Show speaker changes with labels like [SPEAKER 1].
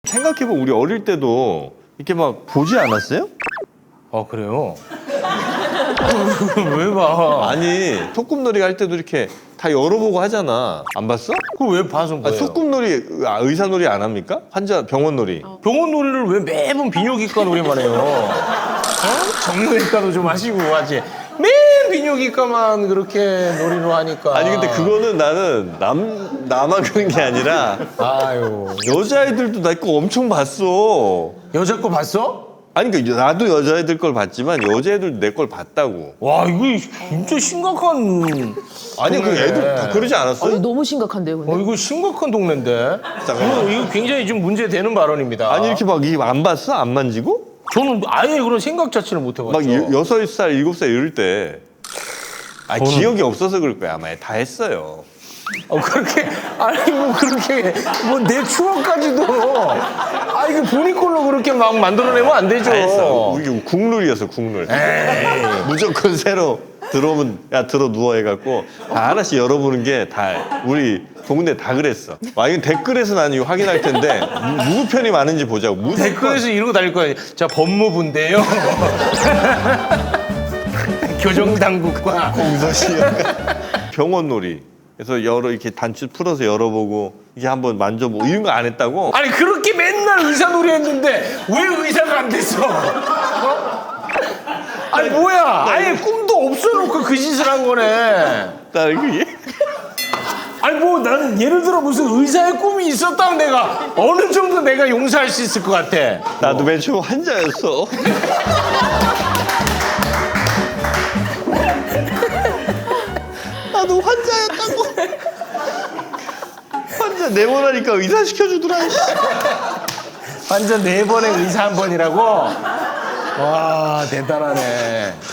[SPEAKER 1] 생각해보면 우리 어릴 때도 이렇게 막 보지 않았어요?
[SPEAKER 2] 아 그래요? 왜 봐?
[SPEAKER 1] 아니 소꿉놀이 할 때도 이렇게 다 열어보고 하잖아. 안 봤어?
[SPEAKER 2] 그걸 왜 봐서
[SPEAKER 1] 아,
[SPEAKER 2] 거예요?
[SPEAKER 1] 소꿉놀이 의사놀이 안 합니까? 환자 병원놀이.
[SPEAKER 2] 병원 놀이를 왜 매번 비뇨기과 놀이만 해요? 정형외과도 좀 하시고 하지. 매일 비뇨기과만 그렇게 놀이로 하니까.
[SPEAKER 1] 아니 근데 그거는 나는 나만 그런 게 아니라
[SPEAKER 2] 아유.
[SPEAKER 1] 여자애들도 나 거 엄청 봤어.
[SPEAKER 2] 여자 거 봤어?
[SPEAKER 1] 아니 그러니까 나도 여자애들 걸 봤지만 여자애들도 내 걸 봤다고.
[SPEAKER 2] 와 이거 진짜 심각한.
[SPEAKER 1] 아니 그
[SPEAKER 2] 동네네.
[SPEAKER 1] 애들 다 그러지 않았어요?
[SPEAKER 3] 너무 심각한데요, 근데?
[SPEAKER 2] 이거 심각한 동네인데. 이거 굉장히 좀 문제되는 발언입니다.
[SPEAKER 1] 아니 이렇게 막 안 봤어? 안 만지고?
[SPEAKER 2] 저는 아예 그런 생각 자체를 못 해봤죠.
[SPEAKER 1] 막 6살, 7살 이럴 때. 아 기억이 없어서 그럴 거야. 아마 다 했어요.
[SPEAKER 2] 그렇게 아니 뭐 그렇게 뭐 내 추억까지도 이거 본인 걸로 그렇게 막 만들어내면 안 되죠.
[SPEAKER 1] 다 했어. 우리 국룰이었어, 국룰. 무조건 새로 들어오면 야 들어 누워 해갖고 다 하나씩 열어보는 게 다 우리 동네 다 그랬어. 와 이건 댓글에서 나는 이거 확인할 텐데 누구 편이 많은지 보자고. 무조건.
[SPEAKER 2] 댓글에서 이러고 다닐 거예요. 자 법무부인데요. 교정당국과
[SPEAKER 1] 공서시야. 병원놀이. 그래서 이렇게 단추 풀어서 열어보고 이게 한번 만져보고 이런 거 안 했다고?
[SPEAKER 2] 아니 그렇게 맨날 의사 놀이 했는데 왜 의사가 안 됐어? 아니 뭐야? 아예 꿈도 없어놓고 그 짓을 한 거네.
[SPEAKER 1] 나는 그게
[SPEAKER 2] 아니 뭐 나는 예를 들어 무슨 의사의 꿈이 있었다면 내가 어느 정도 내가 용서할 수 있을 것 같아.
[SPEAKER 1] 나도 맨 처음 환자였어. 나도 환자였다고. 환자 내보라니까 의사 시켜주더라.
[SPEAKER 2] 완전 4번에 의사 1번이라고? 와 대단하네.